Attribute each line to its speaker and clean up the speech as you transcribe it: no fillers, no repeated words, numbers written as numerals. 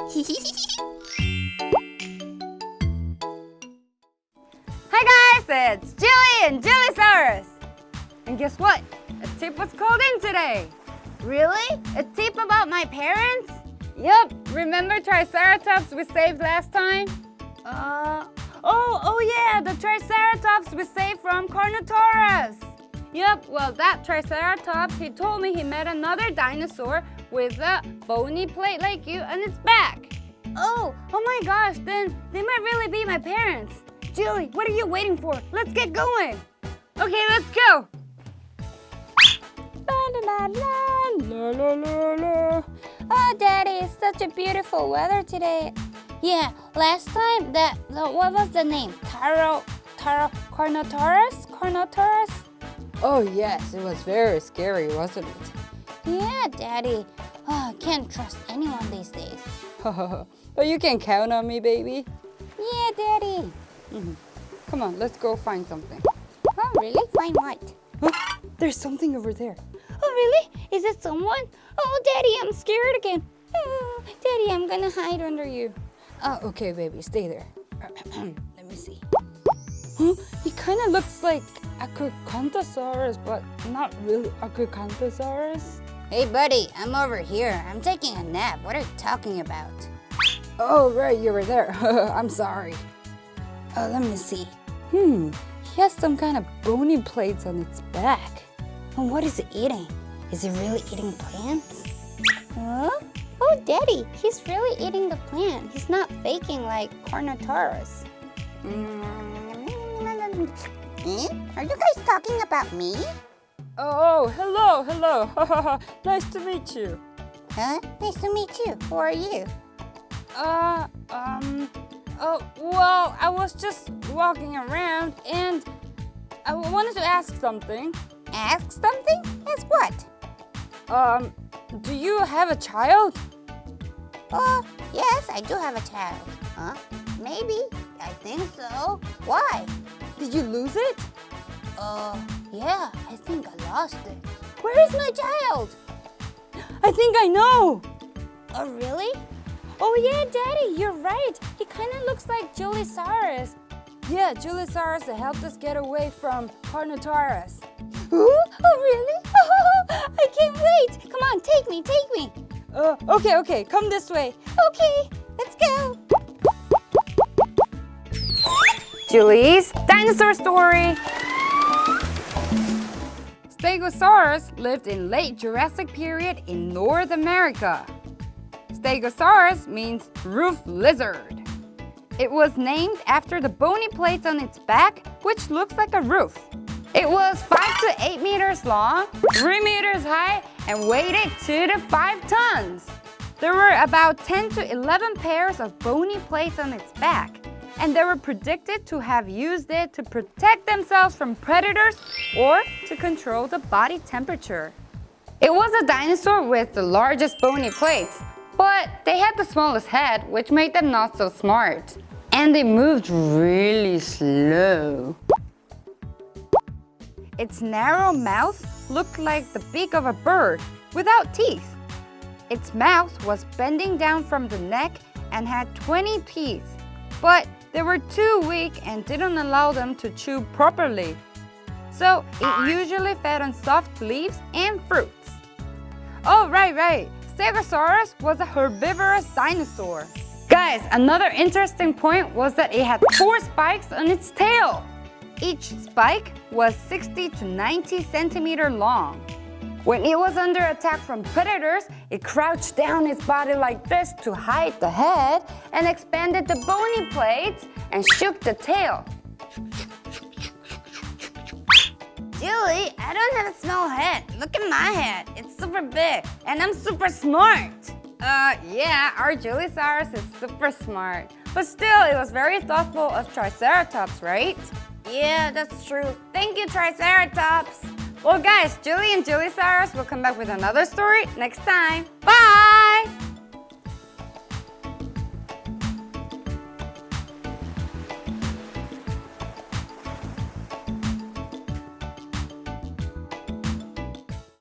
Speaker 1: Hi guys, it's Julie and Juliesaurus. And guess what? A tip was called in today.
Speaker 2: Really? A tip about my parents?
Speaker 1: Yup, remember Triceratops we saved last time?
Speaker 2: Oh yeah, the Triceratops we saved from Carnotaurus.
Speaker 1: Yup, well that Triceratops, he told me he met another dinosaur with a bony plate like you on its back.
Speaker 2: Oh my gosh, then they might really be my parents. Julie, what are you waiting for? Let's get going.
Speaker 1: Okay, let's go.
Speaker 2: Oh, Daddy, it's such a beautiful weather today. Yeah, last time what was the name? Carnotaurus?
Speaker 1: Oh yes, it was very scary, wasn't it?
Speaker 2: Yeah, Daddy. Oh, I can't trust anyone these days.
Speaker 1: But you can count on me, baby.
Speaker 2: Yeah, Daddy.
Speaker 1: Come on, let's go find something.
Speaker 2: Oh, really? Find what?
Speaker 1: There's something over there.
Speaker 2: Oh, really? Is it someone? Oh, Daddy, I'm scared again. Oh, Daddy, I'm gonna hide under you.
Speaker 1: Oh, okay, baby, stay there. Let me see. He kind of looks like Acrocanthosaurus, but not really Acrocanthosaurus.
Speaker 2: Hey, buddy, I'm over here. I'm taking a nap. What are you talking about?
Speaker 1: Oh, right, you were there. I'm sorry. Let me see. He has some kind of bony plates on its back.
Speaker 2: And what is it eating? Is it really eating plants? Huh? Oh, Daddy, he's really eating the plant. He's not faking like Carnotaurus. Are you guys talking about me?
Speaker 1: Oh, hello. Nice to meet you.
Speaker 2: Huh? Nice to meet you. Who are you?
Speaker 1: Well, I was just walking around and I wanted to ask something.
Speaker 2: Ask something? Ask what?
Speaker 1: Do you have a child?
Speaker 2: Oh, yes, I do have a child. Huh? Maybe. I think so. Why?
Speaker 1: Did you lose it?
Speaker 2: Yeah, I think I lost it. Where is my child?
Speaker 1: I think I know.
Speaker 2: Oh, really?
Speaker 1: Oh yeah, Daddy, you're right. He kind of looks like Juliesaurus. Yeah, Juliesaurus helped us get away from Carnotaurus.
Speaker 2: Oh, really? Oh, I can't wait. Come on, take me.
Speaker 1: Okay, come this way.
Speaker 2: Okay, let's go.
Speaker 1: Julie's dinosaur story. Stegosaurus lived in late Jurassic period in North America. Stegosaurus means roof lizard. It was named after the bony plates on its back, which looks like a roof. It was 5 to 8 meters long, 3 meters high, and weighed 2 to 5 tons. There were about 10 to 11 pairs of bony plates on its back, and they were predicted to have used it to protect themselves from predators or to control the body temperature. It was a dinosaur with the largest bony plates, but they had the smallest head, which made them not so smart. And they moved really slow. Its narrow mouth looked like the beak of a bird without teeth. Its mouth was bending down from the neck and had 20 teeth, but they were too weak and didn't allow them to chew properly. So it usually fed on soft leaves and fruits. Oh, right. Stegosaurus was a herbivorous dinosaur. Guys, another interesting point was that it had 4 spikes on its tail. Each spike was 60 to 90 centimeters long. When it was under attack from predators, it crouched down its body like this to hide the head and expanded the bony plates and shook the tail.
Speaker 2: Julie, I don't have a small head. Look at my head. It's super big, and I'm super smart.
Speaker 1: Yeah, our Juliesaurus is super smart. But still, it was very thoughtful of Triceratops, right?
Speaker 2: Yeah, that's true. Thank you, Triceratops.
Speaker 1: Well, guys, Julie and Juliesaurus will come back with another story next time. Bye!